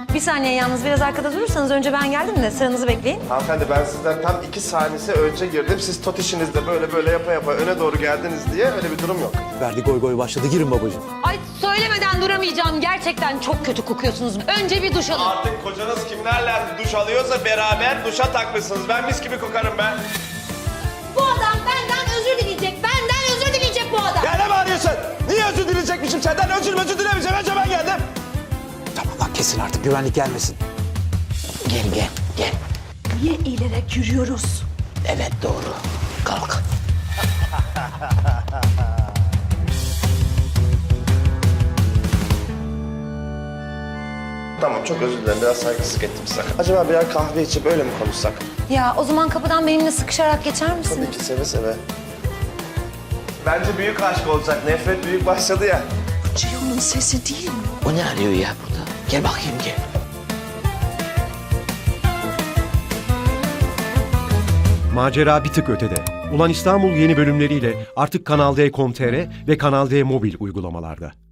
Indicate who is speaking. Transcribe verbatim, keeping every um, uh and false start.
Speaker 1: Bir saniye yalnız biraz arkada durursanız önce ben geldim de sıranızı bekleyin.
Speaker 2: Hanımefendi ben sizden tam iki saniyesi önce girdim. Siz tot işinizde böyle böyle yapa yapa öne doğru geldiniz diye öyle bir durum yok.
Speaker 3: Verdi goy goy başladı. Girin babacığım.
Speaker 1: Ay söylemeden duramayacağım. Gerçekten çok kötü kokuyorsunuz. Önce bir duş alın.
Speaker 2: Artık kocanız kimlerle duş alıyorsa beraber duşa takmışsınız. Ben mis gibi kokarım ben.
Speaker 1: Bu adam benden özür dileyecek. Benden özür dileyecek bu adam.
Speaker 2: Ya ne bağırıyorsun? Niye özür dileyecekmişim senden? Özür özür dilemeyeceğim. Önce ben geldim.
Speaker 3: Tamam lan kesin artık güvenlik gelmesin. Gel gel gel.
Speaker 1: Niye eğilerek yürüyoruz?
Speaker 3: Evet doğru. Kalk.
Speaker 2: Tamam çok özür dilerim. Biraz saygısızlık ettim size. Acaba birer kahve içip öyle mi konuşsak?
Speaker 1: Ya o zaman kapıdan benimle sıkışarak geçer misiniz?
Speaker 2: Tabii ki seve seve. Bence büyük aşk olacak. Nefret büyük başladı ya.
Speaker 1: Ceyhun'un sesi değil mi?
Speaker 3: O ne arıyor ya burada? Gel bakayım gel.
Speaker 4: Macera bir tık ötede. Ulan İstanbul yeni bölümleriyle artık Kanal D nokta com nokta tr ve Kanal D mobil uygulamalarda.